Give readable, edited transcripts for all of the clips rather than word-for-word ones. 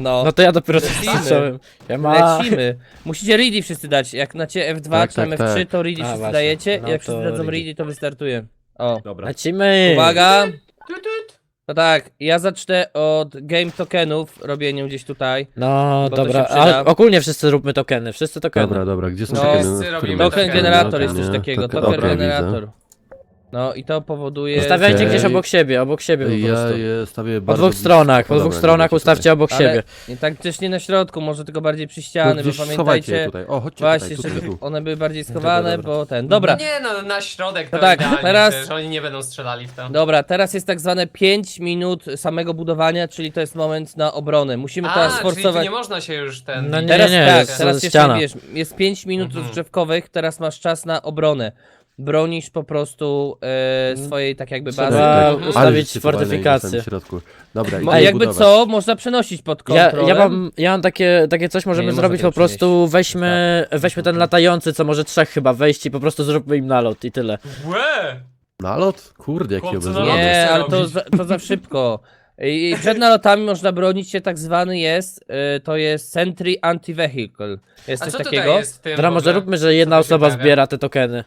No. No to ja dopiero Lecimy. zacząłem. Lecimy. Musicie ready wszyscy dać. Jak macie F2 Tak, czy tam tak, F3, tak. to ready A, wszyscy właśnie. dajecie. No Jak to wszyscy dadzą ready. ready, to wystartuję. O. Dobra. Lecimy! Uwaga! Tut, tut. To tak, ja zacznę od game tokenów, robieniu gdzieś tutaj. No Bo to dobra, się przyda. a ogólnie wszyscy róbmy tokeny, wszyscy tokeny. Dobra, gdzie są No, tokeny? wszyscy W którym robimy miejscu? Token tokeny. generator jest coś Nie? takiego, Token- token okej, generator. No i to powoduje... Ustawiajcie Okej. gdzieś obok siebie po Ja prostu. je stawię Po bardzo dwóch blisko. stronach, po Dobra, dwóch stronach dobra, ustawcie tutaj. obok Ale siebie. nie, tak też nie na środku, może tylko bardziej przy To ściany, bo gdzieś schowajcie je pamiętajcie... tutaj. O, chodźcie Właśnie, tutaj, żeby tu. one były bardziej schowane, dobra. bo ten... Dobra, Nie no, na środek to No tak, idealnie, teraz- przecież oni nie będą strzelali w to. dobra, teraz jest tak zwane 5 minut samego budowania, czyli to jest moment na obronę. Musimy teraz czyli tu sforsować... nie można się już ten... No nie, Teraz tak, jest teraz jeszcze ściana. wiesz, jest 5 minut Mhm. rozgrzewkowych, teraz masz czas na obronę. Bronisz po prostu swojej tak jakby Trzeba bazy. tak, Mhm. ustawić żeście fajne fortyfikację. na środku. Dobra, Mo- idę jakby budować. co, można przenosić pod Ja, kontrolę. ja mam takie coś możemy Nie można zrobić tego po prostu, weźmy ten latający, co może trzech chyba wejść i po prostu zróbmy im nalot i tyle. Łe! Nalot? Kurde, jaki Chłopcy, obezwładny. naloty Nie, chcę ale to robić. to za szybko. I przed nalotami można bronić się, tak zwany jest, to jest Sentry Anti-Vehicle. Jest A coś co takiego. tutaj jest w tym Dobra, w może ogóle? róbmy, że jedna Co tu się osoba pojawia? zbiera te tokeny.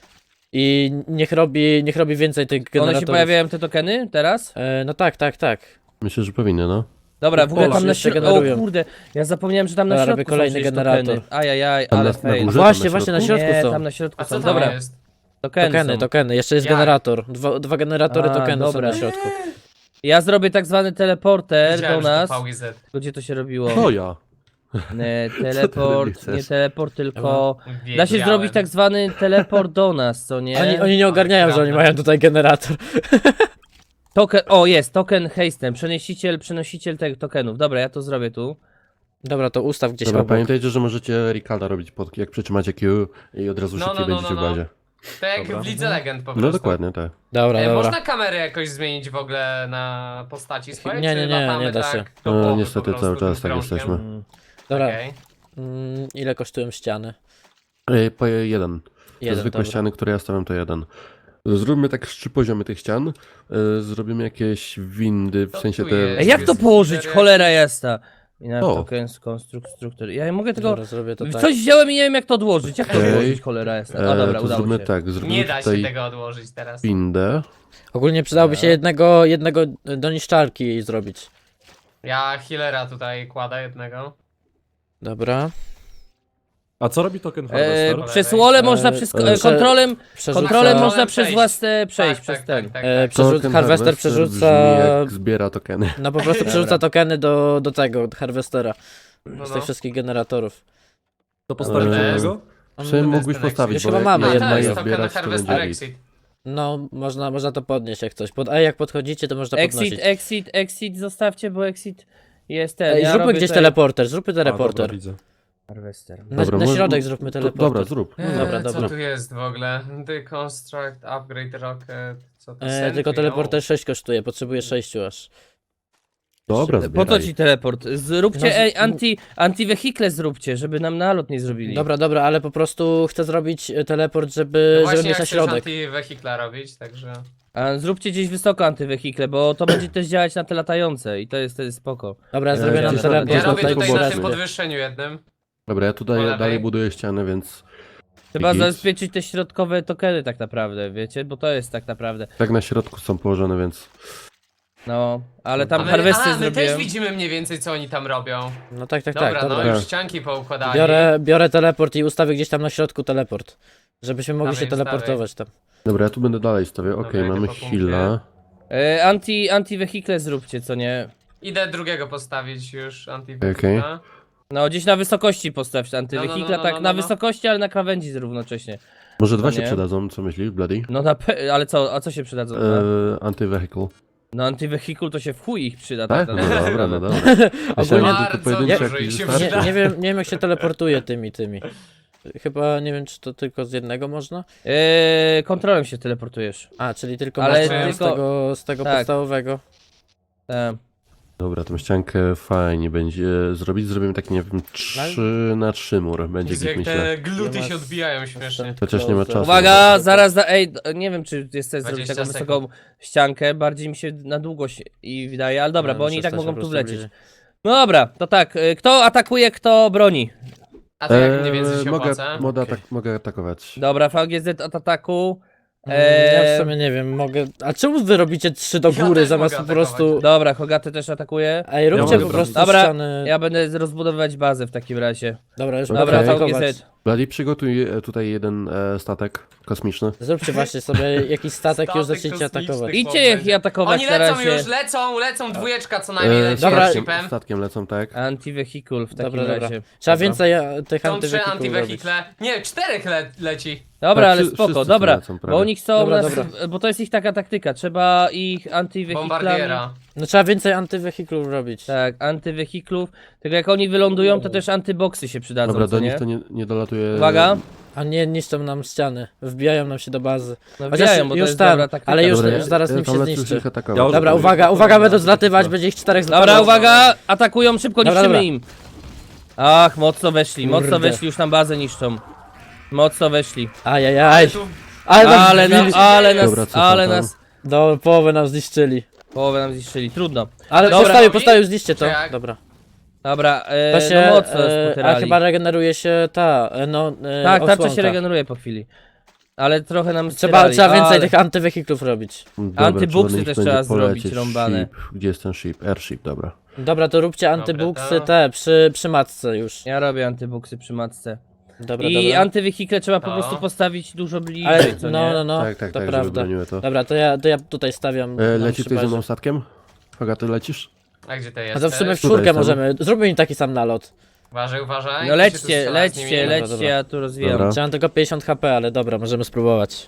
I niech robi więcej tych One generatorów. się pojawiają te tokeny teraz? No tak. Myślę, że powinny, no. Dobra, w ogóle O, tam na jeszcze środku, generują. o kurde, ja zapomniałem, że tam na Dobra, środku robię kolejny są przecież generator. tokeny. Ajajaj, Tam ale na fail. górze? Właśnie, na właśnie na środku? środku Nie, są. tam na środku A są. co tam Dobra, jest? tokeny są. Tokeny. Jeszcze jest Jak? generator. Dwa generatory A, tokenu dobra. są na środku. Ja zrobię tak zwany teleporter Widziałem, do że to nas. VIZ. Gdzie to się robiło? To ja. Teleport, chcesz? nie teleport, tylko... Da się Wiedziałem. zrobić tak zwany teleport do nas, co nie? Oni nie ogarniają, że oni Prawda. mają tutaj generator. Token, o jest, token hasten, przenosiciel tych tokenów. Dobra, ja to zrobię tu. Dobra, to ustaw gdzieś Dobra, obok. pamiętajcie, że możecie Ricarda robić jak przytrzymacie Q i od razu No, szybciej no, no, będziecie no, w no. bazie. Tak jak Dobra. w Lidze Legend po prostu. No dokładnie, tak. Dobra. Można kamerę jakoś zmienić w ogóle na postaci swojej? Nie, czy nie, nie, latamy nie da tak się. do połowy Niestety po cały prostu czas tak tym jesteśmy. krążkiem? Dobra, Okej. ile kosztują ściany? Po jeden. Te zwykłe dobra. ściany, które ja stawiam, to jeden. Zróbmy tak z 3 poziomy tych ścian. Zrobimy jakieś windy, w Co sensie tu te... jest? Ej, jak to Jest położyć? cztery. Cholera jasna. I na O. token struktur. Ja nie mogę tego... Dobra, zrobię to tak. Coś wziąłem i nie wiem jak to odłożyć. Jak to Okej. odłożyć, cholera jasna? A dobra, to udało zróbmy się. tak, zrobimy Nie da się tutaj tego odłożyć teraz. windę. Ogólnie przydałoby się jednego do niszczarki zrobić. Ja healera tutaj kładę jednego. Dobra. A co robi token Harvester? Przez wall można kontrolem Przerzuca, można przez przejść. własne przejść Tak, przez tak, ten. tak, tak, tak. Harvester Harvester przerzuca... brzmi jak zbiera tokeny. No po prostu przerzuca tokeny do tego, harvestera. No, Z no. tych wszystkich generatorów. To postawić Eee, jednego? Czy mógłbyś ten postawić, Już bo chyba jak mamy A, jedno to jedna jest je token zbierać, to Harvester będzie Exit. No, można to podnieść jak coś. Jak podchodzicie, to można podnosić. Exit zostawcie, bo exit jest ten. Ej, Ja zróbmy robię gdzieś tutaj- teleporter, zróbmy A, dobra, teleporter. widzę. Harvester. Dobra, Na może- środek zróbmy To, teleporter. dobra, zrób. Dobra, Co dobra. tu jest w ogóle? Deconstruct, upgrade rocket, co to Tylko Sentry, teleporter 6 kosztuje, potrzebuję 6 aż. Dobra, Po co zbieraj. ci teleport? Zróbcie No, anti-wehikle zróbcie, żeby nam nalot nie zrobili. Dobra, ale po prostu chcę zrobić teleport, No żeby właśnie, mieć jak na chcesz środek. anti-wehikla robić, także... A zróbcie gdzieś wysoko antywehikle, bo to będzie też działać na te latające i to jest wtedy spoko. Dobra, ja Ja zrobię nam gdzieś teleport. Ja Można robię tutaj tutaj po na boku. tym podwyższeniu jednym. Dobra, ja Po tutaj lewej. dalej buduję ścianę, więc Trzeba Git. zabezpieczyć te środkowe tokeny tak naprawdę, wiecie? Bo to jest tak naprawdę. tak na środku są położone, więc... No, ale A tam my, harwesty my też zrobiłem. widzimy mniej więcej co oni tam robią. No tak, Dobra, no dobra. już ścianki poukładali. Biorę teleport i ustawię gdzieś tam na środku teleport. Żebyśmy mogli się Dawaj, teleportować tam. Dobra, ja tu będę dalej stawiał. Okej, Dobra, mamy idę po punkcie. heal'a. Anti-wehikle zróbcie, co nie? Idę drugiego postawić już Okej. anti-wehikla. No, gdzieś na wysokości postawcie antywehikle, no, tak no, na no. wysokości, ale na krawędzi równocześnie. Może dwa To się nie. przydadzą, co myślisz, Bloody? No ale co, a co się przydadzą? Anti-vehicle. No antywehikul to się w chuj ich przyda. Tak? tak No naprawdę. dobra, no dobra. Ogólnie- Myślałem, że Bardzo tylko pojedynczy dużo jakiś ich się wystarczy. przyda. Nie wiem jak się teleportuje tymi. Chyba nie wiem czy to tylko z jednego można? Kontrolem się teleportujesz. A, czyli tylko Ale można tylko- z tego tak. podstawowego. Dobra, tą ściankę fajnie będzie zrobić. Zrobimy tak, nie wiem, 3x3 mur. Będzie Jezu, git, jak myślę. te gluty Ja się was- odbijają śmiesznie. Chociaż nie ma czasu. Uwaga, zaraz nie wiem czy jest sens zrobić 20 taką sekund. wysoką ściankę, bardziej mi się na długość i wydaje, ale dobra, No, bo oni i tak przestań mogą się tu po prostu wlecieć. bliżej. No dobra, to tak. Kto atakuje, kto broni? A to jak mniej więcej się mogę, opłaca? mogę atakować. Dobra, VGZ od ataku. Ja w sumie nie wiem, mogę... A czemu wy robicie 3 do Ja góry też zamiast po mogę prostu... Dobra, Hogaty też atakuje. Ej, róbcie mogę po prostu Dobra, ściany... Ja będę rozbudowywać bazę w takim razie. Dobra, już Dobra, mogę Dobra, atakować. VGZ. Bladi, przygotuj tutaj jeden statek kosmiczny. Zróbcie właśnie sobie jakiś statek i już Statek zacznijcie kosmiczny. atakować. Idźcie ich atakować Oni na lecą razie. już, lecą, dwójeczka co najmniej leci dobra. shipem. Statkiem lecą, tak. Anti-vehicle w takim Dobra, dobra. razie. Trzeba Dobra. więcej tych Są 3 antywehikułów robić. antywehikle. Nie, 4 leci. Dobra, Tak, ale wszyscy spoko, tu dobra. lecą prawie. Bo oni chcą Dobra, nas, dobra. bo to jest ich taka taktyka. Trzeba ich antywehiklami. Bombardiera. No trzeba więcej antywehiklów robić. Tak, antywehiklów. Tylko jak oni wylądują, to też antyboxy się przydadzą, Dobra, co do nie? nich to nie dolatuje. Uwaga. A nie niszczą nam ściany. Wbijają nam się do bazy. No Chociaż wbijają, bo to już jest tam, dobra taktyka. ale już- Dobra, zaraz nim tam się lecę już zniszczy. ich atakować. Ja Dobra, Dobra, uwaga, będą zlatywać, będzie ich 4 Dobra, zlatywać. uwaga! Atakują, szybko Dobra, niszczymy dobra. im. Ach, mocno weszli, Kurde. mocno weszli, już tam bazę niszczą. Mocno weszli. Ajajaj. Tu Ale nas Ale, zbili. ale nas, Dobra, co ale tam? nas... Do połowy nam zniszczyli. Połowę nam zniszczyli, trudno. Ale Dobra. postawił, zniszcie to. Czy jak? Dobra. Dobra, To się, no mocno nas a potyrali. chyba regeneruje się ta, Tak, tarcza osłonka. się regeneruje po chwili. Ale trochę nam Trzeba styrali, więcej ale... tych antywehiklów robić. Dobra, Antybuksy trzeba do nich też będzie trzeba zrobić, polecieć. rąbane. Ship. Gdzie jest ten ship? Airship, dobra. Dobra, to róbcie Dobra, antybuksy to- te przy matce już. Ja robię antybuksy przy matce. Dobra, I dobra. antywehikle trzeba po No. prostu postawić dużo bliżej, Ale, co no, nie? no, no, tak, to żeby prawda. broniły to. Dobra, to ja tutaj stawiam. nam Leci przy ktoś ze bazie. mną statkiem? Hogaty, lecisz? A gdzie ty A jesteś? to w sumie w Tutaj czwórkę jestem. możemy. Zróbmy im taki sam nalot. Uważaj. No kto się tu lećcie, strzela z lećcie, nimi? Dobra, lećcie, dobra. ja tu rozwijam. Dobra. Trzeba tylko 50 HP, ale dobra, możemy spróbować.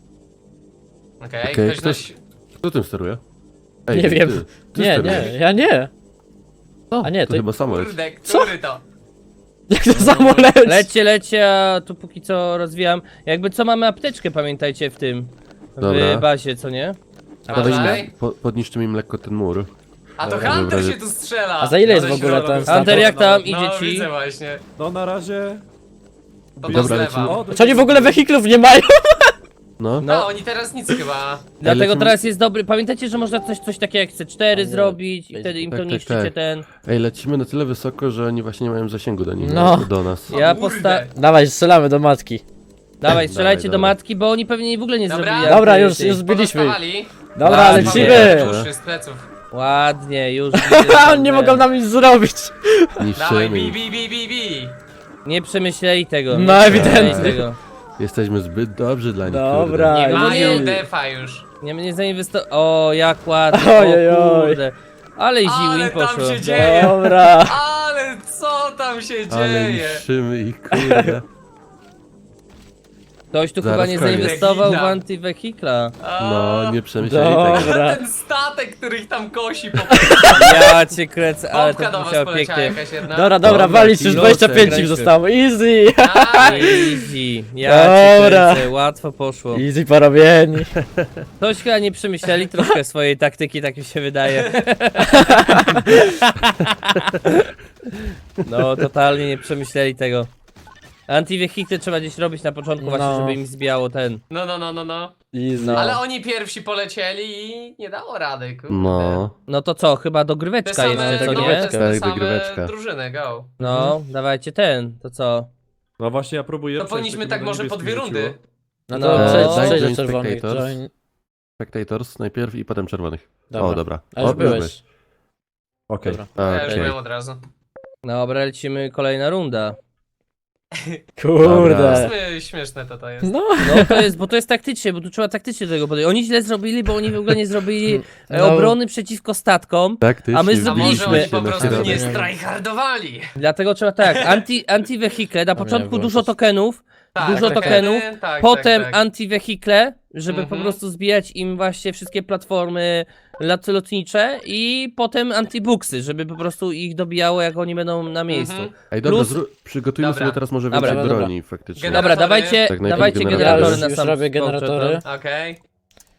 Okej, Okej, ktoś nas... Kto tym steruje? Nie wiem. Ty Nie, sterujesz. nie, ja nie. O, A nie, to ty- chyba samolot. Kurde, Co? który to? Jak to samo leci? Lećcie, a tu póki co rozwijam. Jakby co mamy apteczkę, pamiętajcie w tym. W Dobra. bazie, co nie? Uważaj. Podniszczymy im lekko ten mur. A to Dobra. Hunter Dobra. się tu strzela! A za ile jest No, w ogóle środek. ten statek? Hunter, jak tam? No, Idzie ci? widzę właśnie. No na razie... To Dobra, zlewa. lecimy. O, Czy oni w ogóle wehiklów nie mają? No. No, oni teraz nic chyba. Dlatego lecimy- teraz jest dobry. Pamiętajcie, że można coś takiego jak C4 zrobić i wtedy im to Tak, tak, niszczycie tak. ten. Ej, lecimy na tyle wysoko, że oni właśnie nie mają zasięgu do nich, No. do nas. Ja Kurde. Dawaj, strzelamy do matki. Dawaj, strzelajcie Dawaj, do dawaj. matki, bo oni pewnie w ogóle nie Dobra. zrobili. Dobra, jak już ty. zbiliśmy. ich. Pozostawali. Dobra, Ładnie. lecimy. Duszy z pleców. Ładnie, już. Ha, oni nie mogą nam nic zrobić. Dawaj, Niszczymy bi, ich. bi, bi, bi, bi. Nie przemyśleli tego. No, nie przemyśleli ewidentnie. tego. Jesteśmy zbyt dobrzy dla nich, Dobra. Nie Aj, mają nie. defa już. Nie zainwestował. O, jak ładnie. Ojej, O oj. kurde. Ale ził Ale im tam poszło. się dzieje. Dobra. Ale co tam się Ale dzieje? niszczymy ich, kurde. Ktoś tu Zaraz chyba nie koniec. zainwestował w Legina. antywehikla. No, nie przemyśleli tego. Dobra. Ten statek, który ich tam kosi, Ja cię kręcę, ale pompka to do was musiało poleciała pięknie. jakaś jedna. Dobra, Dobra, walić, już kilosy, 25 im grajcie. zostało. Easy. Nice. Easy. Ja cię Dobra. kręcę, łatwo poszło. Easy porobieni. Ktoś chyba nie przemyśleli troszkę swojej taktyki, tak mi się wydaje. No, totalnie nie przemyśleli tego. Antiwehikle trzeba gdzieś robić na początku właśnie, No. żeby im zbijało ten. No. Easy. No. Ale oni pierwsi polecieli i nie dało rady, kurde. No. No to co, chyba Te dogryweczka same, jeszcze, co no, nie? te Tak, same dogryweczka. drużyny, go. No, dawajcie ten, to co? No właśnie ja próbuję... To przejść, powinniśmy tylko tak mi może po niebieskich 2 rundy. rzuciło. No No. to Daj przejdź do join czerwonych. spectators. Join. Spectators najpierw i potem czerwonych. Dobra. O, dobra. A już O, byłeś. Okej. Dobra. Ja już Okej. byłem od razu. Dobra, lecimy kolejna runda. Kurde. Dobra. Śmieszne to jest. No. No to jest, bo to jest taktycznie, bo tu trzeba taktycznie do tego podejść. Oni źle zrobili, bo oni w ogóle nie zrobili No. obrony przeciwko statkom. Tak, ty A my się A zrobiliśmy. może wbiliśmy oni po na prostu nie środek. strajhardowali. Dlatego trzeba tak, antywehikle, na początku było dużo coś. tokenów, Tak, Dużo tokenów, potem tak. antywehikle, żeby po Mhm. prostu zbijać im właśnie wszystkie platformy lotnicze i potem antibuksy, żeby po prostu ich dobijało, jak oni będą na miejscu. Mhm. Ej, dobra, Plus- przygotujmy Dobra. sobie teraz może Dobra, więcej dobra. broni faktycznie. Generatory. Dobra, dawajcie, Tak, najpierw dawajcie generatory. generatory Ja na już sam robię początek. generatory. Okej.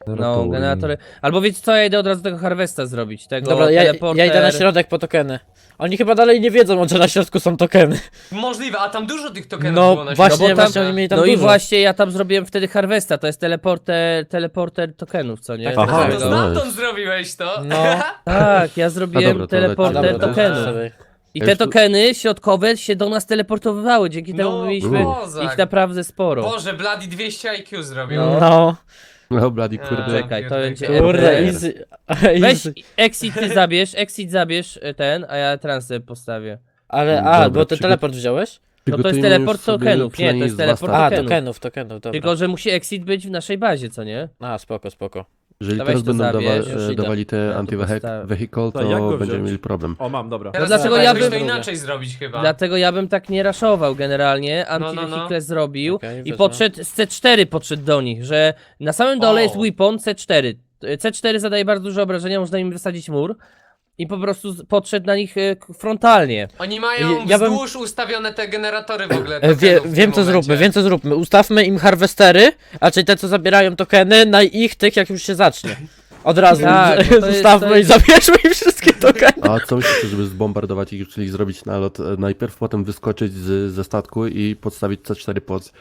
No, generatory. Albo wiecie co, ja idę od razu tego Harvesta zrobić, tego Dobra, ja teleporter. idę na środek po tokeny. Oni chyba dalej nie wiedzą, że na środku są tokeny. Możliwe, a tam dużo tych tokenów No było na właśnie, środku. tam- właśnie oni mieli tam No dużo. i właśnie ja tam zrobiłem wtedy Harvesta, to jest teleporter tokenów, co nie? Tak, Aha, A, Tego- to no. stamtąd zrobiłeś to? No. Tak, ja zrobiłem dobra, to teleporter lecimy. tokenów. I te tokeny środkowe się do nas teleportowały, dzięki temu No, mieliśmy kozak. ich naprawdę sporo. Boże, Bloody 200 IQ zrobił. No. No, Bladi, kurde. Czekaj, to będzie Kurde, RDR. easy. Weź easy. exit zabierz ten, a ja transfer postawię. Ale, Dobra, bo ten przygo- teleport wziąłeś? No to jest Przygotujmy teleport już sobie tokenów, nie, to przynajmniej jest z dwa teleport staki. A, tokenów. tokenów, dobra. Tylko, że musi exit być w naszej bazie, co nie? A, spoko. Jeżeli To teraz weź to będą zabierz, już idę. dawali te Ja tu anti-vehicle, To jak go to będziemy wziąć? mieli problem. O, mam, dobra. Teraz dlatego trzeba ja jakoś bym- to inaczej zrobić chyba. Dlatego ja bym tak nie raszował generalnie, No, anti-vehicle zrobił Okej, i wezmę. podszedł z C4 podszedł do nich, że na samym dole O. jest weapon C4. C4 zadaje bardzo duże obrażenia, można im wysadzić mur i po prostu podszedł na nich frontalnie. Oni mają Ja bym- wzdłuż ustawione te generatory w ogóle. Wiem tokenów w tym co momencie. zróbmy, Ustawmy im harwestery, a czyli te co zabierają tokeny, na ich tych jak już się zacznie. Od razu Tak, bo to jest- zostawmy to i jest- zabierzmy im wszystkie tokeny. A co myślicie, żeby zbombardować ich, czyli zrobić nalot najpierw, potem wyskoczyć ze statku i podstawić C4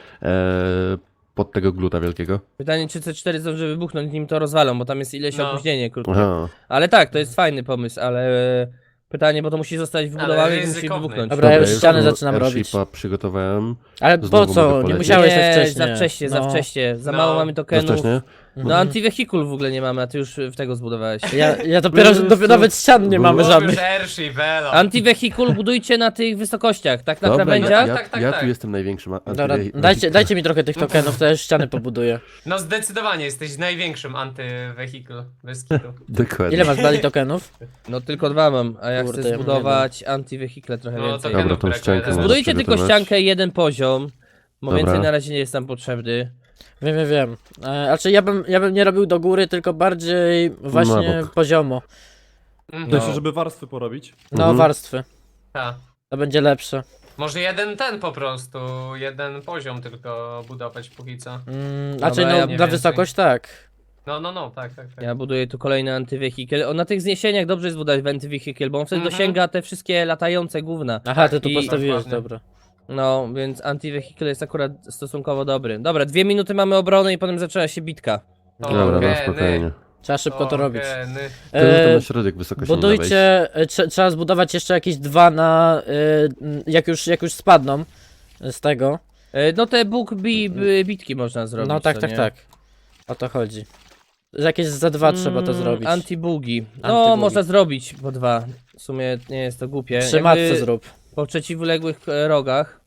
pod tego gluta wielkiego? Pytanie, czy C4 zdąży wybuchnąć, nim to rozwalą, bo tam jest ileś No. opóźnienie krótkie. Aha. Ale tak, to jest fajny pomysł, ale pytanie, bo to musi zostać wybudowane i musi ryzykowny. wybuchnąć. Dobra, ja już ja ściany tu zaczynam robić. airshipa przygotowałem. Ale po Znowu co? mogę Nie polecieć. musiałeś Nie, wcześniej. za wcześnie, za No. wcześnie. Za No. mało mamy Za tokenów. wcześnie? No anti-vehicle w ogóle nie mamy, a ty już w tego zbudowałeś. Ja dopiero, nawet ścian nie mamy Było żadnych. już Airship, elo. Anti-vehicle budujcie na tych wysokościach, tak na Dobra, krawędziach. ja, Tak, tak, ja tak. tu jestem największym Dobra, anti-vehicle. dajcie mi trochę tych tokenów, to ja już ściany pobuduję. No zdecydowanie jesteś największym anty-vehicle bez kitu. Dokładnie. Ile masz dali tokenów? No tylko 2 mam, a ja Kurde, chcę ja mam zbudować anti-vehicle trochę No, więcej. tokenów Dobra, tą brakuje ściankę teraz. może Zbudujcie tylko przygotować. ściankę jeden poziom, bo Dobra. więcej na razie nie jest nam potrzebny. Wiem. Znaczy ja bym nie robił do góry, tylko bardziej właśnie Na bok. poziomo. Mhm. To jeszcze, żeby warstwy porobić. No, Mhm. warstwy. Ta. To będzie lepsze. Może jeden ten po prostu, jeden poziom tylko budować póki co. Znaczy Dobra, no, ja na mniej wysokość tak. No, tak. Ja buduję tu kolejny anti-vehicle. Na tych zniesieniach dobrze jest budować anti-vehicle, bo on wtedy Mhm. dosięga te wszystkie latające gówna. Aha, ty tu I- postawiłeś, Dokładnie. dobra. No, więc anti-vehicle jest akurat stosunkowo dobry. Dobra, 2 minuty mamy obrony i potem zaczęła się bitka. Dobra, no Tokeny, spokojnie. Trzeba szybko to robić. tokeny. To już E, na środek wysokości nie da wejść. budujcie, trzeba zbudować jeszcze jakieś dwa na, jak już spadną z tego. No te bitki można zrobić. No tak, co tak, nie? tak. O to chodzi. Że jakieś za dwa trzeba to zrobić. Anti-bugi. No, Anti-bugi. można zrobić po 2. W sumie nie jest to głupie. Przy matce zrób. Po przeciwległych rogach.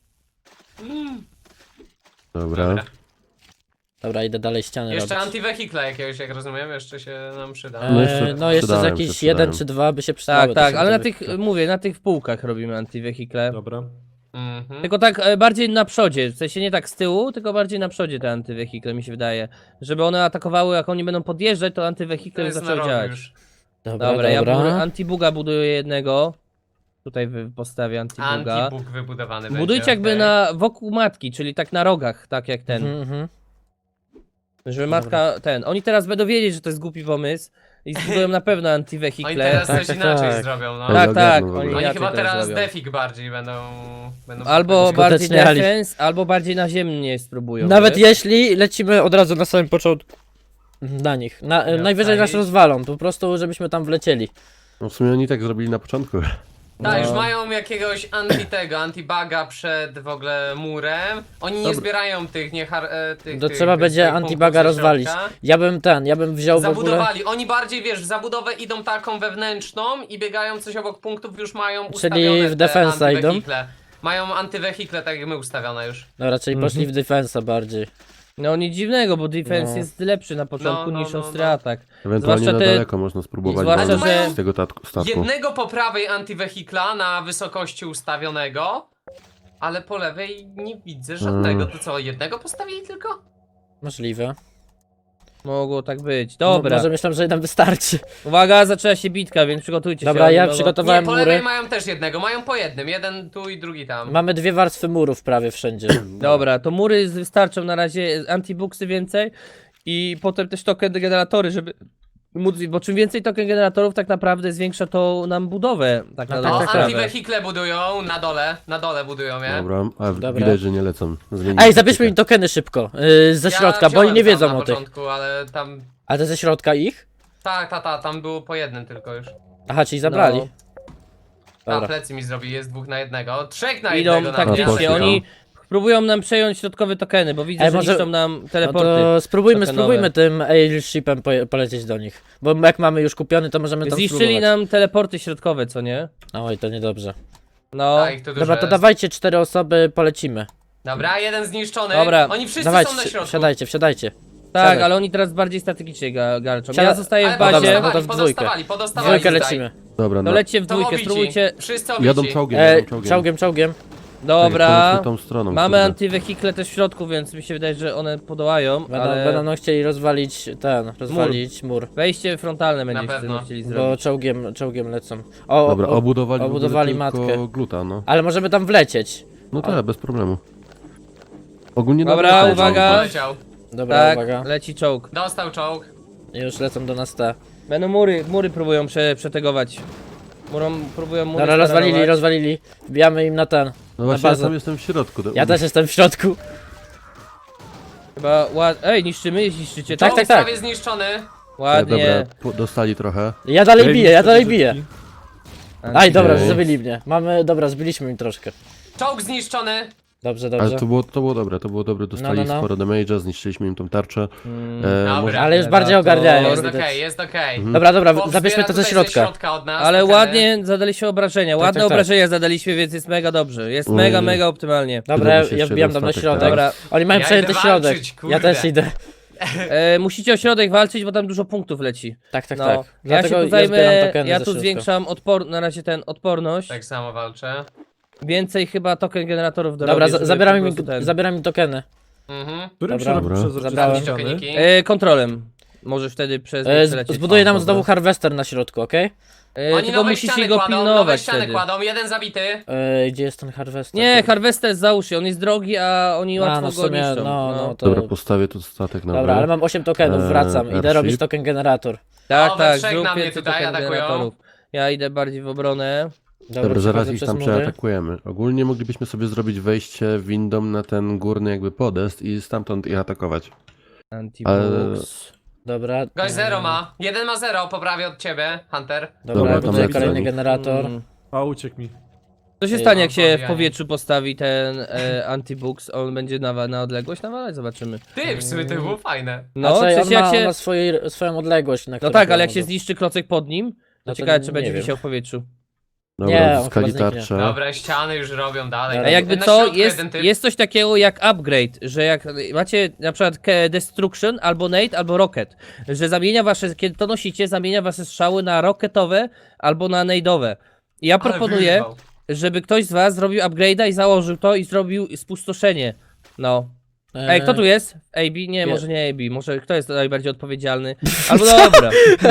Dobra. Dobra, idę dalej ściany Jeszcze robić. anti-vehicle jakiegoś, jak rozumiem, jeszcze się nam przyda. No jeszcze No jeszcze z przydają się, jakiś przydają. jeden czy dwa by się przydały. Tak, to ale na są tych, te- mówię, na tych półkach robimy anti-vehicle. Dobra. Mhm. Tylko tak bardziej na przodzie, w sensie nie tak z tyłu, tylko bardziej na przodzie te anty-vehicle mi się wydaje. Żeby one atakowały, jak oni będą podjeżdżać, to To anty-vehicle jest na zaczęły rogu działać. już. Dobra, ja anti-buga buduję jednego. Tutaj postawię anti-buga. Anti-bug wybudowany Budujcie będzie, jakby okej. wokół matki, czyli tak na rogach, tak jak ten. Mhm. Żeby matka, oni teraz będą wiedzieć, że to jest głupi pomysł i zbudują na pewno Oni anti-vehicle. teraz Tak, coś tak, inaczej tak. zrobią, no. Ale Tak, tak, ogarną w ogóle. oni Oni inaczej chyba teraz zrobią. defik bardziej będą Albo bardziej Skuteczniali. defense, albo bardziej naziemnie spróbują. Nawet wiesz? jeśli lecimy od razu na samym początku na nich. Najwyżej nas wstali. rozwalą, po prostu żebyśmy tam wlecieli. No w sumie oni tak zrobili na początku. Tak, już No. mają jakiegoś anti-buga przed w ogóle murem. Oni nie Dobra. zbierają tych, tych To tych trzeba będzie swoich antibuga punktów ze rozwalić. środka. Ja bym wziął w ogóle... Zabudowali. Oni bardziej, wiesz, w zabudowę idą taką wewnętrzną i biegają coś obok punktów, już mają ustawione w te defensa idą? anti-vehicle. Mają anty-vehicle, tak jak my ustawione już. Dobra, czyli poszli w defensa bardziej. No nic dziwnego, bo defense No. jest lepszy na początku No, niż no, ostry no. atak. Ewentualnie Zwłaszcza na te- daleko można spróbować zwłaszcza, walnąć że- z tego statku. Jednego po prawej anti-vehicla na wysokości ustawionego, ale po lewej nie widzę żadnego. To co, jednego postawili tylko? Możliwe. Mogło tak być. Dobra, Może myślę, że jeden wystarczy. uwaga, zaczęła się bitka, więc przygotujcie Dobra, się. ja oni mogą- Nie, przygotowałem po lewej mury. mają też jednego, mają po jednym. Jeden tu i drugi tam. Mamy 2 warstwy murów prawie wszędzie. Dobra, to mury wystarczą na razie, antibuksy więcej. I potem też token generatory, żeby móc, bo czym więcej token generatorów tak naprawdę zwiększa to nam budowę. Tak na tak, dobrą O, tak, sprawę. antiwehikle budują na dole budują je. Dobra, a Dobra. widać, że nie lecą. Zmienili Ej, zabierzmy taktykę. im tokeny szybko, ze środka, bo oni wziąłem nie tam wiedzą na o tych. początku, ale tam... A te ze środka ich? Tak, tam było po jednym tylko już. Aha, czyli zabrali. No. A, Dobra. plecy mi zrobi, jest 2 na 1. 3 na Idą 1 taktycznie, poszli, oni próbują nam przejąć środkowe tokeny, bo widzę, Ej, że może- niszczą nam No teleporty. to spróbujmy tokenowe. tym airshipem polecieć do nich. Bo jak mamy już kupiony, to możemy tam Zniszczyli spróbować. nam teleporty środkowe, co nie? Oj, to niedobrze. No, A, ich tu dużo Dobra, to jest. dawajcie 4 osoby, polecimy. Dobra, jeden zniszczony. Dobra. Oni wszyscy Dawajcie, są na środku. wsiadajcie. tak, siadaj. ale oni teraz bardziej strategicznie galczą. Siada- Ja zostaję Ale w bazie, dobra, no to w podostawali, Dwójkę tutaj. lecimy. Dobra, to no. lećcie w To dwójkę, obici. spróbujcie. Wszyscy obici. Jadą czołgiem, jadą czołgiem. Czołgiem. Dobra, Tak, tą stroną, mamy kurde. antywehikle też w środku, więc mi się wydaje, że one podołają, ale Będą chcieli rozwalić mur. wejście frontalne będzie pewno. chcieli Bo zrobić. czołgiem lecą. Dobra, obudowali matkę. tylko gluta, no. Ale możemy tam wlecieć. No tak, bez problemu. Ogólnie Dobra, nawet- uwaga. Poleciał. Dobra, Tak, uwaga. leci czołg. Dostał czołg. Już lecą do nas te. Będą mury próbują przetegować. Próbują mury Dobra, starować. rozwalili. Wbijamy im na ten. No właśnie, ja bazę. sam jestem w środku. Ja też jestem w środku. Chyba Ej, niszczymy, niszczycie to? Tak, Czołg tak, tak. prawie zniszczony. Ładnie. Dobra, dostali trochę. Ja dalej biję. Brzydki. Aj, dobra, Okej. zabili mnie. Dobra, zbiliśmy im troszkę. Czołg zniszczony. Dobrze. Ale to było dobre, dostali No. sporo damage'a, zniszczyliśmy im tą tarczę. Dobra. Może... Ale już bardziej ogarniają. Jest widać. okej, jest okej. Dobra, Chłop zabierzmy zbiera to ze tutaj środka. od nas, Ale tokeny. ładnie zadaliśmy obrażenia, ładne tak. obrażenia zadaliśmy, więc jest mega dobrze. Jest Oj. mega optymalnie. Dobra, Zrobi się ja jeszcze wbijam jeden tam na statek, środek. tak. Dobra, Oni mają Ja przejęty idę środek. walczyć, Ja kurde. też idę. musicie o środek walczyć, bo tam dużo punktów leci. Tak. No, Tak. ja Dlatego się tu zbieram zajmę, tokeny ja ze tu środka. zwiększam na razie odporność. Tak samo walczę. Więcej chyba token generatorów do Dobra, zabieram im tokeny. Dobra. Którym się Dobra. robi przezroczyste Zabrałem. ściany? Tokeniki. Kontrolem. Możesz wtedy przelecieć. Zbuduję nam dobra. znowu harvester na środku, okej? Oni tylko nowe musicie ściany go kładą, nowe pilnować ściany wtedy. kładą, jeden zabity. Gdzie jest ten harvester? Nie, harvester załóż się, on jest drogi, a oni A, łatwo no w go sumie, niszczą. no to... Dobra, postawię tu statek na Dobra, ale mam 8 tokenów, wracam. Idę airship. robić token generator. Tak, O, we tak, trzech zrób na mnie więcej tutaj token atakują. generatorów. Ja idę bardziej w obronę. Dobra, zaraz przechodzę ich przez tam mury. przeatakujemy. Ogólnie moglibyśmy sobie zrobić wejście windą na ten górny jakby podest i stamtąd ich atakować. Antibooks. Dobra. Gość 0 ma. Jeden ma 0, poprawię od ciebie, Hunter. Dobra, Dobra, buduję tam kolejny napisali. generator. A, uciekł mi. Co się Ej, stanie, jak się w podbijanie. powietrzu postawi ten antibooks? On będzie na odległość nawalać? Zobaczymy. Ty, w sumie to było fajne. No, No, w on sensie jak ma się... swoją odległość, na No którą tak, ale jak może. się zniszczy klocek pod nim, to No to ciekawe, czy nie będzie wiem. wisiał w powietrzu. Dobra, Nie, on zyskali chyba zniknie. tarczę. Dobra, ściany już robią dalej. Dobra. A jakby Na co, środku jest, jeden typ. jest coś takiego jak upgrade, że jak macie na przykład Destruction, albo Nade, albo Rocket, że zamienia wasze, kiedy to nosicie, zamienia wasze strzały na rocketowe albo na nade'owe. I ja Ale proponuję, wyrwał. żeby ktoś z was zrobił upgrade'a i założył to i zrobił spustoszenie. No. Ej, kto tu jest? AB? Nie, może nie AB. Może kto jest najbardziej odpowiedzialny? Albo dobra.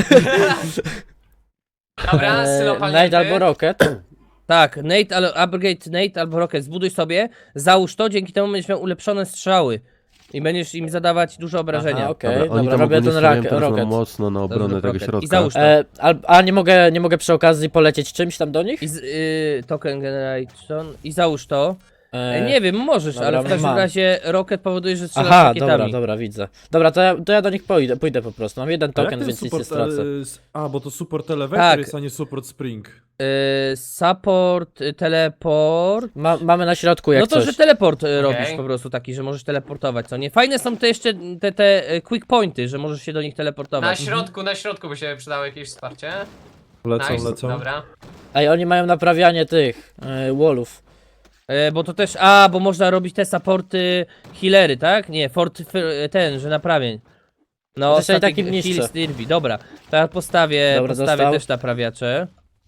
Dobra, sylo Nade albo Rocket. Tak, Nate, upgrade Nate albo Rocket. Zbuduj sobie, załóż to, dzięki temu będziesz miał ulepszone strzały. I będziesz im zadawać dużo obrażenia. Aha, okej, Dobra, oni dobra, tam robię ogólnie ten stawiają teraz Rocket. mocno na obronę Dobrze, tego Rocket. środka. I załóż to. A nie mogę przy okazji polecieć czymś tam do nich? I token generation. I załóż to. E, Nie wiem, możesz, dobra, ale w każdym mam. razie Rocket powoduje, że strzelasz Aha, rakietami. dobra, widzę. Dobra, to ja do nich pójdę po prostu. Mam jeden A jak token, ten więc nic nie support, stracę. bo to support elevator Tak. jest, a nie support spring. Support, teleport. Mamy na środku jak No to, coś. że teleport robisz po prostu taki, że możesz teleportować, co nie? Fajne są te jeszcze te quick pointy, że możesz się do nich teleportować. Na środku by się przydało jakieś wsparcie. Lecą, Nice, lecą. dobra. Ej, oni mają naprawianie tych wallów. Bo to też, bo można robić te supporty healery, tak? Nie, ten, że naprawień. No, Zresztą i static takim niszczę. heal Stirby, dobra. To ja postawię Dobra, dostał. też naprawiacze.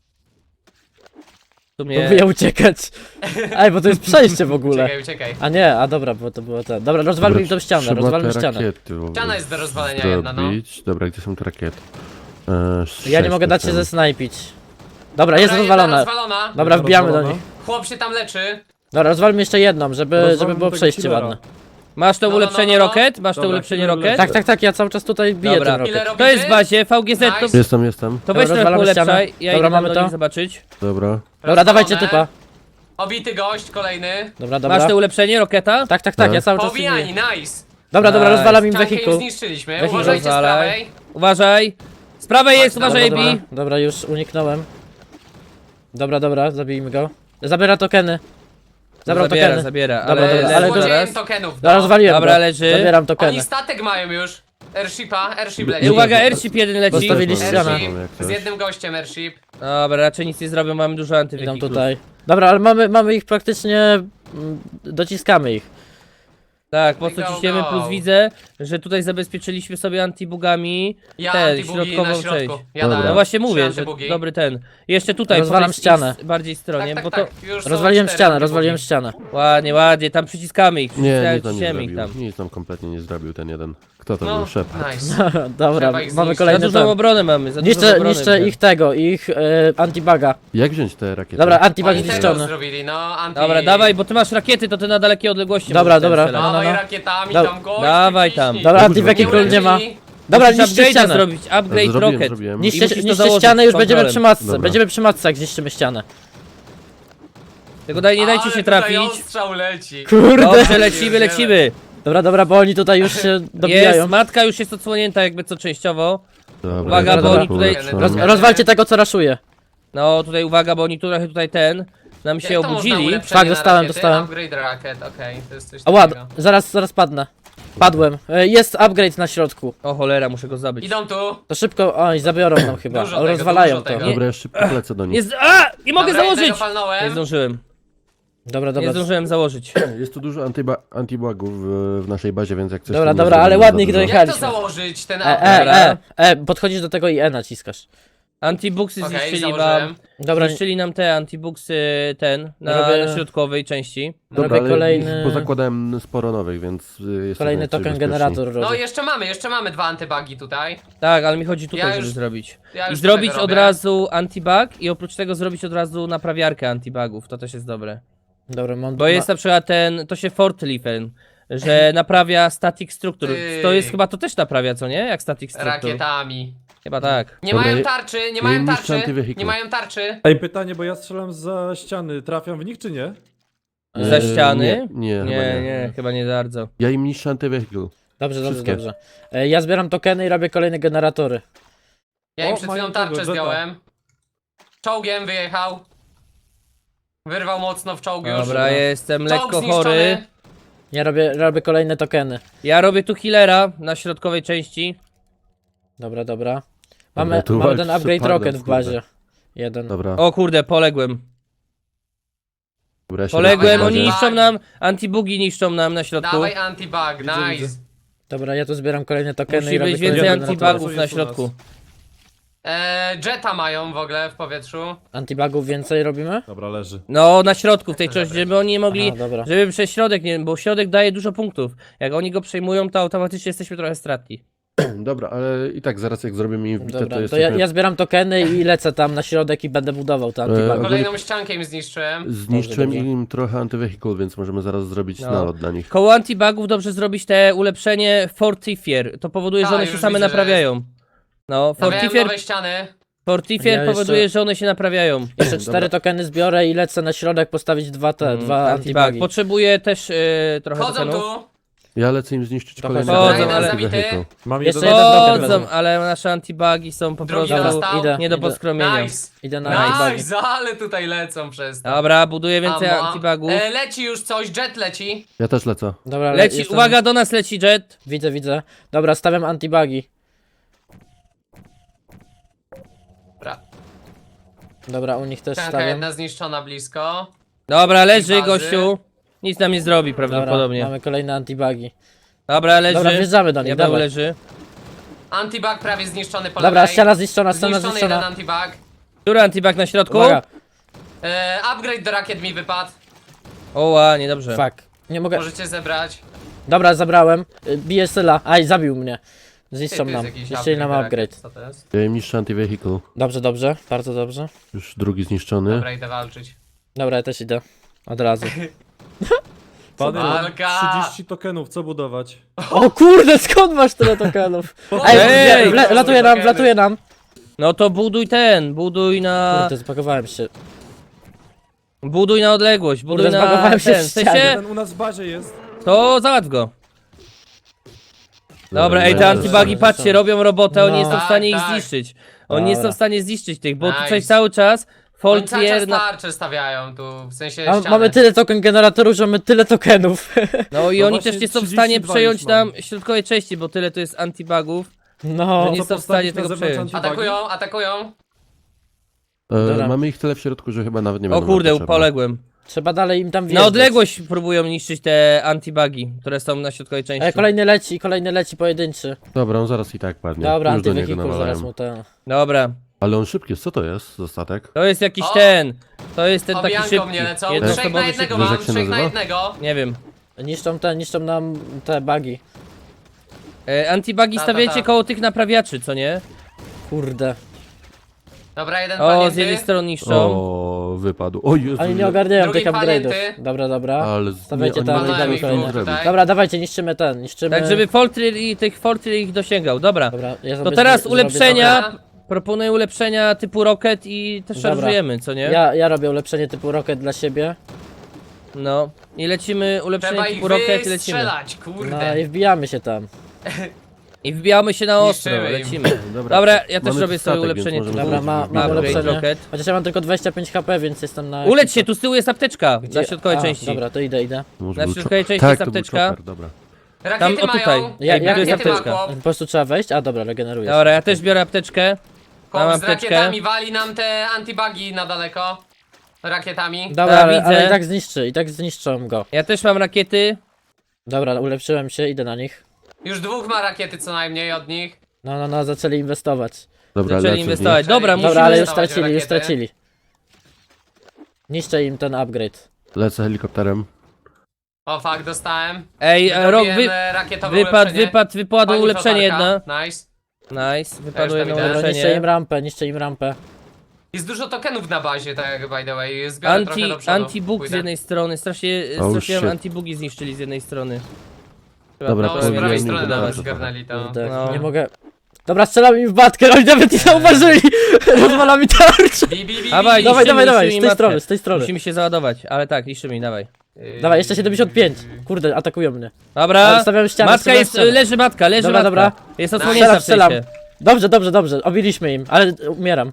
W sumie... Próbuję uciekać. Ej, bo to jest przejście w ogóle. Uciekaj. A nie, dobra, bo to było to. Dobra, rozwalmy im tą ścianę, Trzeba rozwalmy te ścianę. rakiety w ogóle Ściana jest do rozwalenia jedna, no. zrobić. Dobra, gdzie są te rakiety? Ja nie mogę dać się zesnajpić. Dobra, jest Dobra, jedna rozwalona. rozwalona. Dobra, wbijamy do Rozwalona. nich. Chłop się tam leczy. Dobra, rozwalmy jeszcze jedną, żeby Rozwalmy było tego przejście killera. ładne. Masz to No, no, ulepszenie no, no. rocket? Masz to Dobra, ulepszenie chwilę rocket? Tak, tak, tak, ja cały czas tutaj biję Dobra. ten Ile rokiet. robicie? To jest w bazie, VGZ to... Nice. Jestem. To weź trochę rozwalamy ulepszaj, ścianę. ja Dobra, idę mamy do to. nich zobaczyć. Dobra. Dobra, Rozwalone. dawajcie typa. Obity gość, kolejny. Dobra, Masz dobra. to ulepszenie roketa? Tak, tak, tak, ja cały czas Pobijani, biję. nice. Dobra, dobra, Nice. rozwalam im Ściankę już wehikuł. zniszczyliśmy, Weź uważajcie z rozwalaj. prawej. Uważaj! Z prawej jest, Dobra, uważaj, Dobra, AB! dobra, już uniknąłem. Dobra, dobra, zabijmy go. Zabiera tokeny. Zabrał Zabiera, tokeny. zabiera, Dobra, ale... dobra, ale leży go- zaraz. tokenów, Dobra, no. rozwaliłem Dobra, go. leży. Zabieram tokeny. Oni statek mają już. Airship leci. I uwaga, airship jeden leci. Postawili ścianę. Airship, Jak z coś. jednym gościem airship. Dobra, raczej nic nie zrobią, mamy dużo Idą antywehiklów. tutaj. Dobra, ale mamy ich praktycznie... dociskamy ich. Tak, mocno Go, ciśniemy, go. plus widzę, że tutaj zabezpieczyliśmy sobie antibugami Ja ten, antibugi na środkową środku. część. Ja Dobra. dałem No właśnie trzy mówię, że antybugi. dobry ten. Jeszcze tutaj, Rozwalam po tej ścianę. bardziej stronie, Tak, bo tak, to tak. Już są Rozwaliłem 4 ścianę, antybugi. rozwaliłem ścianę. ładnie, ładnie, tam przyciskamy ich, Nie, nic nam nie ciśniemy ich zrobił. tam. Nic nam kompletnie nie zrobił ten jeden. Kto to No, był? Szef. nice. Dobra, Trzeba ich mamy zniszczyć. Za kolejny dużą ten. obronę mamy, za dużą obronę. Niszczę ich tego, ich antibaga. Jak wziąć te rakiety? Dobra, antibag Oni tego zniszczony. zrobili, no anti... Dobra, dawaj, bo ty masz rakiety, to ty na dalekie odległości Dobra, możesz dobra. strzelać. No, no, Dawaj no. rakietami Da- tam gość. dawaj tam. Dobra, Nie antiwehikul nie ma. Dobra, Musisz niszczcie upgrade'a ścianę. zrobić, upgrade Zrobiłem, rocket. zrobiłem. I Niszczcie musisz to niszczcie założyć ścianę, już z będziemy kontrolem. przy matce. Dobra. Będziemy przy matce, jak zniszczymy ścianę. Tylko nie dajcie się trafić. Ostrzał leci. Kurde. Dobrze, lecimy, lecimy. Dobra, dobra, bo oni tutaj już się dobijają. Jest, matka już jest odsłonięta jakby co częściowo. Dobra, Uwaga, dobra, bo oni dobra, tutaj- dobra. Rozwalcie tego, co raszuje. No tutaj uwaga, bo oni trochę tutaj nam się Jak to można obudzili. ulepszenie Tak, na dostałem, rakiety? dostałem. Upgrade rakiet, okej, to jest coś A ład, takiego. zaraz padnę. Padłem. Jest upgrade na środku. O cholera, muszę go zabić. Idą tu. To szybko, oj, zabiorą nam chyba. Dużo tego, Rozwalają dużo to. tego. Dobra, ja szybko lecę do nich. Jest, a! Nie mogę Dobra, założyć! jednego Nie palnąłem. zdążyłem, Dobra, nie dobra. zdążyłem założyć. Jest tu dużo antibugów w naszej bazie, więc jak coś Dobra, to nie dobra, ale zrobimy ładnie za dużo. ich Jak to Jechaliśmy. założyć, ten Dobra. Podchodzisz do tego i E naciskasz. Antibuksy Okej, zniszczyli założyłem. wam. Dobra, Zniszczyli nam te antibuksy Robię- na środkowej części. Dobra, robię ale kolejny, pozakładałem sporo nowych, więc jesteśmy kolejny raczej token bezpieczni. generator No robię. jeszcze mamy 2 antybugi tutaj. Tak, ale mi chodzi tutaj, Ja żeby już- zrobić. Ja I już zrobić tutaj od robię. razu antibug i oprócz tego zrobić od razu naprawiarkę antibugów, to też jest dobre. Dobra, mam... Bo jest na przykład to się fortliften, że naprawia static structure. To jest chyba, to też naprawia, co nie? Jak static structure. Rakietami. Chyba tak. Nie Dobra, mają ja- tarczy, nie ja mają im niszczę tarczy. antywehikuł. Nie mają tarczy. Ej, pytanie, bo ja strzelam za ściany. Trafiam w nich, czy nie? Za ściany? Nie, chyba Nie, chyba nie bardzo. Ja im niszczę antywehikuł. Dobrze, dobrze, Wszystkie. dobrze. Ja zbieram tokeny i robię kolejne generatory. Ja im O, przed mają chwilą tego, tarczę Jetta. zdjąłem. Czołgiem wyjechał. Wyrwał mocno w czołg już. Dobra, jestem Czołg lekko zniszczony. chory. Ja robię kolejne tokeny. Ja robię tu healera na środkowej części. Dobra, dobra. Dobra, Mamy tu ten walcz upgrade z rocket w kurde. bazie. Jeden. Dobra. O kurde, poległem. Dobra, ja się Poległem, Dawaj, oni dawaj. niszczą nam, antibugi niszczą nam na środku. Dawaj antibug, Widzę, nice. widzę. Dobra, ja tu zbieram kolejne tokeny Musi i robię być kolejne więcej generatory. antibugów na Jest u nas. środku. Jetta mają w ogóle w powietrzu. Antibugów więcej robimy? Dobra, leży. No, na środku w tej części, żeby oni nie mogli, Aha, dobra. żeby przez środek, nie, bo środek daje dużo punktów. Jak oni go przejmują, to automatycznie jesteśmy trochę stratni. Dobra, ale i tak zaraz jak zrobimy im wbite, Dobra, to to jesteśmy... ja zbieram tokeny i lecę tam na środek i będę budował te antibugi. ogólnie- Kolejną ściankę im zniszczyłem. Zniszczyłem Dobrze, im trochę antywehikuł, więc możemy zaraz zrobić No. nalot dla nich. Koło antibugów dobrze zrobić te ulepszenie Fortifier. To powoduje, że A, one się już same widzę, że naprawiają. No, Stawiałem Fortifier, nowe ściany. Fortifier Ja powoduje, jeszcze- że one się naprawiają. Jeszcze 4 tokeny zbiorę i lecę na środek postawić dwa Antibug. antibugi. Potrzebuję też trochę Chodzą tokenów. tu. Ja lecę im zniszczyć Trochę kolejny chodzą, token ale- antywehikuł. Mam Jeszcze jeden... jeden token Chodzą, wezmę. ale nasze antibugi są po Drugi prostu dostał. idę. nie do poskromienia. Nice. Idę na antibugi. Nice, ale tutaj lecą przez to. Dobra, buduję więcej Amo. antibugów. Leci już coś, jet leci. Ja też lecę. Dobra, Leci, jestem- uwaga, do nas leci jet. Widzę, widzę. Dobra, stawiam antibugi. Dobra. Dobra, u nich też Ścianka stawiam. jedna zniszczona blisko. Dobra, leży bazy. gościu. Nic nam nie zrobi Dobra, prawdopodobnie. mamy kolejne antibugi. Dobra, leży. Dobra, wjeżdżamy do nich, Diabeł dawaj. leży. Antibug prawie zniszczony po Dobra, lewej. ściana zniszczona, Zniszczony jeden zniszczona. antibug. Który antibug na środku? Uwaga, Upgrade do rakiet mi wypadł. Oła, niedobrze. fuck. Nie mogę. Możecie zebrać. Dobra, zabrałem. Bije Syla. Aj, zabił mnie. Ty, Zniszczą tu jest nam. jakiś Zniszczyli nam do upgrade. rakiet. Co to jest? Ja im niszczę antywehikuł. Dobrze, dobrze. Bardzo dobrze. Już drugi zniszczony. Dobra, idę walczyć. Dobra, ja też idę. Od razu. Pany, mam Walka! 30 tokenów, co budować? O kurde, skąd masz tyle tokenów? Ej, Ej, latuje nam. No to buduj na... Kurde, spakowałem się. Buduj na odległość, buduj Kurde, na zbagowałem się ten, w w sensie, ścianie. Ten u nas w bazie jest. to załatw go. Dobra, ej, te dobra, antibugi, dobra. patrzcie, robią robotę, oni No. nie są w stanie ich Tak, tak. zniszczyć. Oni nie są Dobra. w stanie zniszczyć tych, bo tutaj Nice. cały czas Oni cały czas Foltrier na... tarcze stawiają tu, w sensie A, ściany. mamy tyle token generatorów, że mamy tyle tokenów. No i No oni właśnie też nie są w 32 stanie przejąć już mam. nam środkowej części, bo tyle to jest antibugów. No, Że nie Co są w stanie postawić na tego zewnątrz przejąć. antibagi? Atakują. Dobra. Mamy ich tyle w środku, że chyba nawet nie O będą kurde, nam potrzebne. poległem. trzeba dalej im tam Na wjeżdżać. odległość próbują niszczyć te antibugi, które są na środkowej części. Kolejny leci pojedynczy. Dobra, on zaraz i tak padnie. Dobra, Już do niego antywehikul zaraz nawalają. mu ten. Dobra, Ale on szybki jest, co to jest za statek? to jest jakiś O! ten. To jest ten taki Obijanką szybki. mnie lecą. jednoosobowy Trzech na szybki. jednego Wiesz, mam, jak się trzech na nazywa? jednego. Nie wiem. Niszczą nam te bugi. Antibugi Ta. stawiajcie koło tych naprawiaczy, co nie? Kurde. Dobra, jeden O, palnięty. z jednej strony niszczą. O, wypadł. O Jezu, Oni nie ogarniają Drugi tych upgrade'ów. palnięty. Dobra. Ale Stawiajcie oni tam nie i wiedzą, damy co kolejne. zrobić. Tutaj. Dobra, dawajcie, niszczymy. Tak, żeby Foltrier ich dosięgał. Dobra. Dobra, ja To sobie teraz zrobię ulepszenia. Dobra. Proponuję ulepszenia typu Rocket i też Dobra. szarżujemy, co nie? Ja robię ulepszenie typu Rocket dla siebie. No. I lecimy ulepszenie Trzeba ich typu Rocket i lecimy. wystrzelać, No kurde. i wbijamy się tam. I wbijamy się na ostro, Niszczymy im. lecimy. Dobra, Dobra, ja też mamy robię sobie statek, ulepszenie więc typu możemy Dobra, zrobić mam upgrade. ulepszenie. Rocket. Chociaż ja mam tylko 25 HP, więc jestem na... Uleć się, tu z tyłu jest apteczka Gdzie? na środkowej A, części. Dobra, to idę. Może Na był środkowej chop- części tak, jest to był apteczka. chopper, dobra. Rakiety Tam, o, tutaj. mają. Ja- Ej, ja- tu jest Rakiety ma apteczka. chłop. Po prostu trzeba wejść? A dobra, regeneruję. Dobra, ja też biorę apteczkę. Mam Chłop z apteczkę. rakietami wali nam te antibugi na daleko. Rakietami. Dobra, Ja ale widzę. i tak zniszczą go. Ja też mam rakiety. Dobra, ulepszyłem się, idę na nich. Już dwóch ma rakiety co najmniej od nich. No, zaczęli inwestować. Dobra, Zaczęli lecę z inwestować. nich. Dobra, Dobra, Dobra, ale musimy... już inwestować w stracili, rakiety. Niszczę im ten upgrade. Lecę helikopterem. O fuck, dostałem. Ej, Rok, Wydobiłem, rakietowe wypadł ulepszenie. wypadło Pani ulepszenie flotarka. jedno. Nice. Nice, wypadło Też jedno tam idę. Dobra, niszczę im rampę. Jest dużo tokenów na bazie, tak by the way. Zbiorę trochę do przodu. Antibug z Pójdę. jednej strony, strasznie Oh, strasznie shit. antibugi zniszczyli z jednej strony. Dobra, No, to z prawej wiem, strony że nawet dobrze zgarnęli to. Kurde, No. nie mogę... Dobra, strzelam im w batkę, oni nawet nie zauważyli! Rozwala mi tarczę! Dawaj, Dawaj, niszczymy z tej matkę. strony, z tej strony. Musimy się załadować, ale tak, niszczymy, dawaj. Dawaj, jeszcze 75. Kurde, atakują mnie. Dobra, Stawiam ścianę, matka stawiam jest, ścianę. leży matka, leży Dobra, matka. dobra. Jest odsłonięta w Strzelam. sensie. Dobrze, obiliśmy im, ale umieram.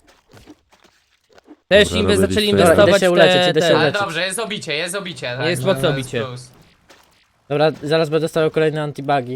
Też Dobra, zaczęli robiliście. inwestować Idę się uleczyć, idę się Ale uleczyć. dobrze, jest obicie. Tak, Jest to mocno jest obicie. plus. Dobra, zaraz będę stawiał kolejne antibugi.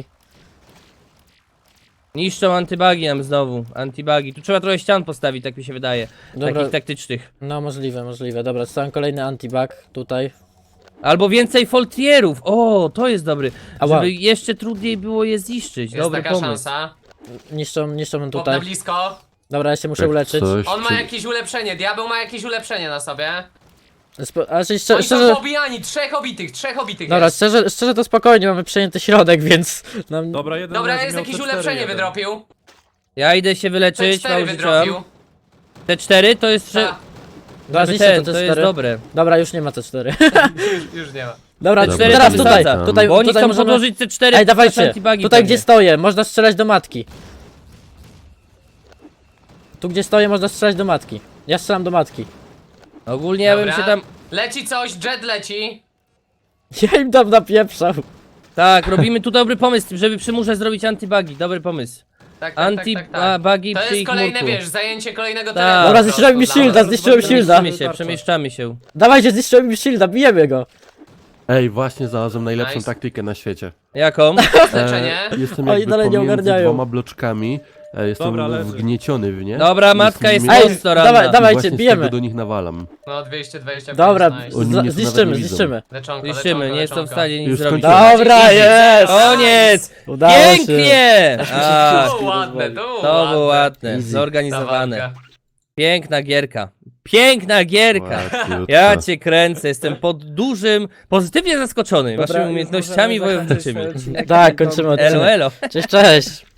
Niszczą antybugi nam znowu, antybugi. Tu trzeba trochę ścian postawić, tak mi się wydaje. Dobra. Takich taktycznych. No, możliwe. Dobra, stawiam kolejny antibug tutaj. Albo więcej foltrierów. O, to jest dobry. Ała. Żeby jeszcze trudniej było je zniszczyć. Jest Dobry taka pomysł. szansa. Niszczą Chłop na tutaj. blisko. Dobra, ja się muszę Jak uleczyć. coś, On ma czy- jakieś ulepszenie, diabeł ma jakieś ulepszenie na sobie. Ale Oni szczerze... są pobijani, trzech obitych Dobra, jest. szczerze to spokojnie, mamy przejęty środek, więc... Nam... Dobra, jeden Dobra, razy jest miał jakieś T4 ulepszenie jeden. wydropił. Ja idę się wyleczyć, T4 mało wydropił. rzuciłam. T4 to jest... Ta, Dobra, Żeby zniszczę ten, to jest T4. dobre. Dobra, już nie ma C4. już nie ma. Dobra, Te Dobra, teraz to tutaj, wracam. tutaj, Bo oni tutaj chcą możemy... podłożyć C4 Ej, nasze dawajcie, antibugi tutaj pewnie. gdzie stoję, można strzelać do matki. Tu gdzie stoję, można strzelać do matki. Ja strzelam do matki. Ogólnie ja bym Dobra. się tam... Leci coś, jet leci. Ja im tam napieprzał. Tak, robimy tu dobry pomysł, żeby przy murze zrobić antybugi. Dobry pomysł. Tak. Anti-bugi To przy jest ich kolejne, murku. wiesz, zajęcie kolejnego Tak. terenu. Dobra, po zniszczyłem mi prostu shielda, dla nas. zniszczyłem shielda. Przemieszczamy się. Dawajcie, zniszczyłem mi shielda, bijemy go. Ej, właśnie znalazłem najlepszą Nice. taktykę na świecie. Jaką? Leczenie. Jestem Oni jakby dalej nie pomiędzy ogarniają. dwoma bloczkami. Jestem Dobra, leży. wgnieciony w nie. Dobra, matka jest Ej, mocno ranna. dawajcie, właśnie z bijemy. tego do nich nawalam. No 225. Dobra, nice. Oni mnie tu nawet zniszczymy, nie widzą. zniszczymy. Leczonko, Niszczymy, nie jestem w stanie nic Już zrobić. skończyłem. Dobra, jest! Koniec! Udało się. Pięknie! A, To było ładne, to było ładne, Easy. zorganizowane. Piękna gierka. Piękna gierka! Ładniutko. Ja cię kręcę, jestem pozytywnie zaskoczony Dobra, waszymi już umiejętnościami możemy zakończyć wojowniczymi. ten odcinek. Tak, kończymy odcinek. Elo, elo. Cześć, cześć.